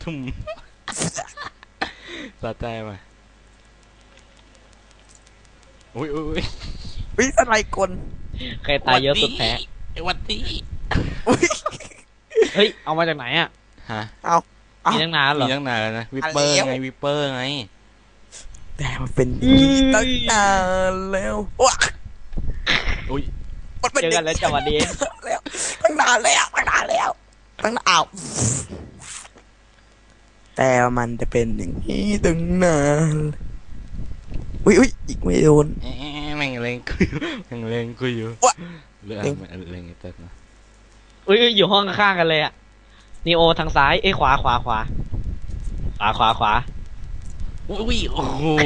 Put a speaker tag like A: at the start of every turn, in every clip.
A: ทุ่มสะใจมาอุ้ยอุ้ย
B: วิสไลกล
C: ใครตายเยอะสุดแพ้
A: วันนี้
B: อุ้ย
C: เฮ้ยเอามาจากไหนอ่ะ
A: ฮะ
B: เอา
C: มีตั้งนานเหร
A: มี
C: อ
A: ตั้งนานแล้วนะวิปเปอร์ไงวิปเปอร์ไง
B: แต่มันเป็นอย่างนี้ตั้งนานแล้วว้า
A: อุ้ย
B: มันเป็น
C: เจอกันแล้วจังหวะนี้
B: แล้วตั้งนานแล้วตั้งนานแล้วตั้งนานอ้าวแต่มันจะเป็นอย่างนี้ตั้งนานอุ้ยอีกไม่โดน
A: แม่งเลงคุยแม่งเลงคุยอยู่
B: วะ
A: เรื่องเลงไอ้เต้นนะ
C: อุ้ยอยู่ห้องข้างๆกันเลยอ่ะนีโอทางซ้ายเอ้ยขวา
A: อุ้ยโอ้โห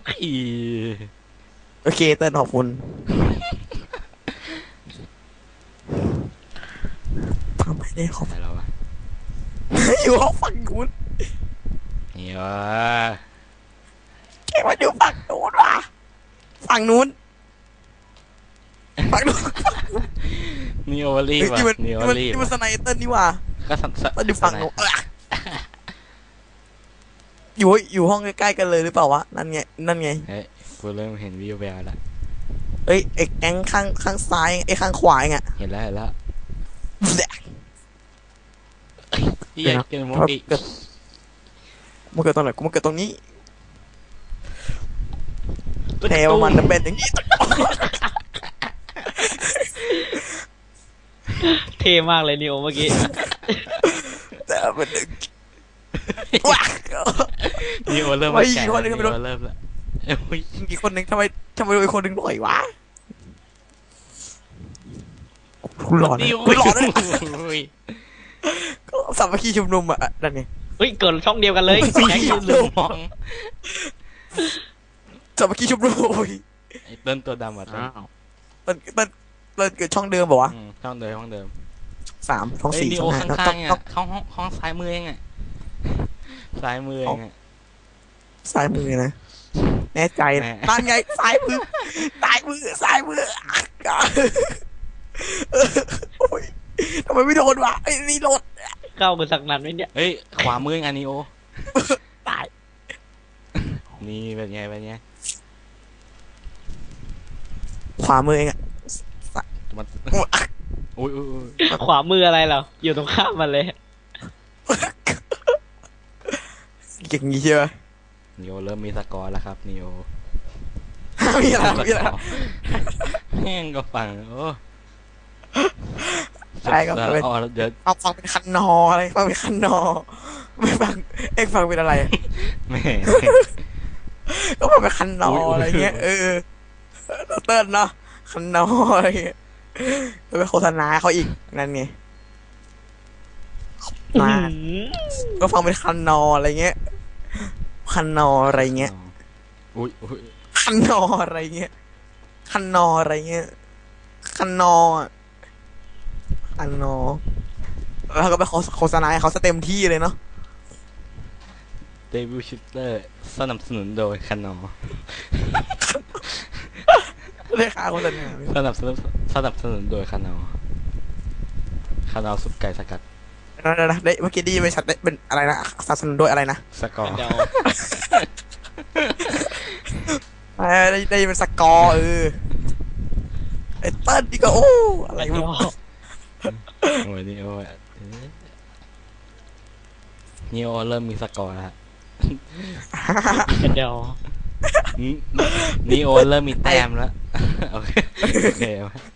B: โอเคเต้นขอบคุณทำไม่ได้ขอบ
A: อะไรแล้ววะ
B: อยู่ห้องฝั่งนู้น
A: นี่วะ
B: แกมาอยู่ฝั่งนู้นวะฝั่งนู้นฝั่งนู้น
A: นี่โอลี
B: เฮ้ย
A: ว่ะ
B: นี่มัน
A: นี่โอลี
B: นี่มันสไนเตอร์นี่ว่ะ
A: ก็สัน
B: มันอยู่ฝั่งนู้นอยู่ห้องใกล้ๆกันเลยหรือเปล่าวะนั่นไง
A: เฮ้ยกูเริ่มเห็นวิวแววแล้ว
B: เอ้ยไอ้แก๊งข้างซ้ายไอ้ข้างขวาไง
A: เห็นแล้วเฮียเกินมุกอีก
B: มันเกิดตรงไหนกูมันเกิดตรงนี้แถวมันจะเป็นอย่างนี้
C: เท่มากเลยนีโอเมื่อกี้
B: แต่เป็นว้า
A: นี่โอเริ่ม
B: ไม่
A: แก่
B: อีกคนหนึ่ง
A: นี่
B: ไม่รู้
A: โอเริ่มแล้วโอ้ย
B: อีกคนหนึ่งทำไมอีกคนหนึ่งหน่อยวะกูหลอน
A: นี่
B: กูหลอนเลย
A: โอ้ย
B: ก็สามัคคีชุมนุมอ่ะนั่นไง
C: เฮ้ยเกิดช่องเดียวกันเลย
B: ไม่
C: แข่ง
B: มี
C: กัน
A: ลืมมอง
B: สามัคคีชุมนุม
A: ไอ้เต้นตัวดำอ่ะเต้น
B: มันเกิดช่องเดิมป่าวะ
A: ห้องเดิม
B: 3 ช่อง
A: เฮ้ย
B: 4
A: นี่
B: ช่
A: โอ
B: อง 5
A: ข้างๆเนี่ยห้องซ้ายมือเองอ่ะซ้ายมือเองอ่ะ
B: ซ้ายมือนะแน่ใจนะ
A: แน่
B: นั่นไงซ้ายมือโอ้ยทำไมไม่โดนวะไอ้นี่โดน
C: เข้ากันสักนัดไหมเนี่ย
A: เฮ้ยขวามือเองอันนี้โอ
B: ตาย
A: นี่เป็นไง
B: ขวามือเองอะ
A: มันอุ้ย
C: ขวามืออะไรเหรออยู่ตรงข้ามมันเลย
B: อย่างงี้ใช่ไหม
A: นิโอเริ่มมีสกอร์แล้วครับนิโอ
B: มีอะไร
A: แม่งก็ฟังโอ้
B: ใช่ก็เป็น
A: เดี๋ยว
B: เอาฟังเป็นคันนออะไรฟังเป็นคันนอไม่ฟังเอ็งฟังเป็นอะไร
A: แม่
B: ก็ฟังเป็นคันนออะไรเงี้ยเติ้ลเนาะคันนออะไรเงี้ยไปโฆษณาเขาอีกนั่นไงมาก็ฟังเป็นคันนออะไรเงี้ยคันนออะไรเงี้ย
A: อุ้ย
B: คันนออะไรเงี้ยคันนออะไรเงี้ยคันนอคันนอแล้วก็ไปโฆษณาให้เขาเต็มที่เลยเนาะ
A: เดวิลชิตเตอร์สนับสนุนโดยคานอ
B: เรียกค่าโฆษณา
A: สนับสนุนโดยคานอซุปไก่สกัด
B: นะเมื่อกี้ดีไปชัดเป็นอะไรนะสนับสนุนด้วยอะไรนะ
A: สกอร์
C: เดี๋ยว
B: ได้เป็นสกอร์ไอ้เติ้ลนี่ก็โอ้อะไร
C: เดี๋ยว
A: โอ้ยนิโอเริ่มมีสกอร์แล้ว
C: เดี๋ยว
A: นิโอเริ่มมีแต้มแล้วโอเค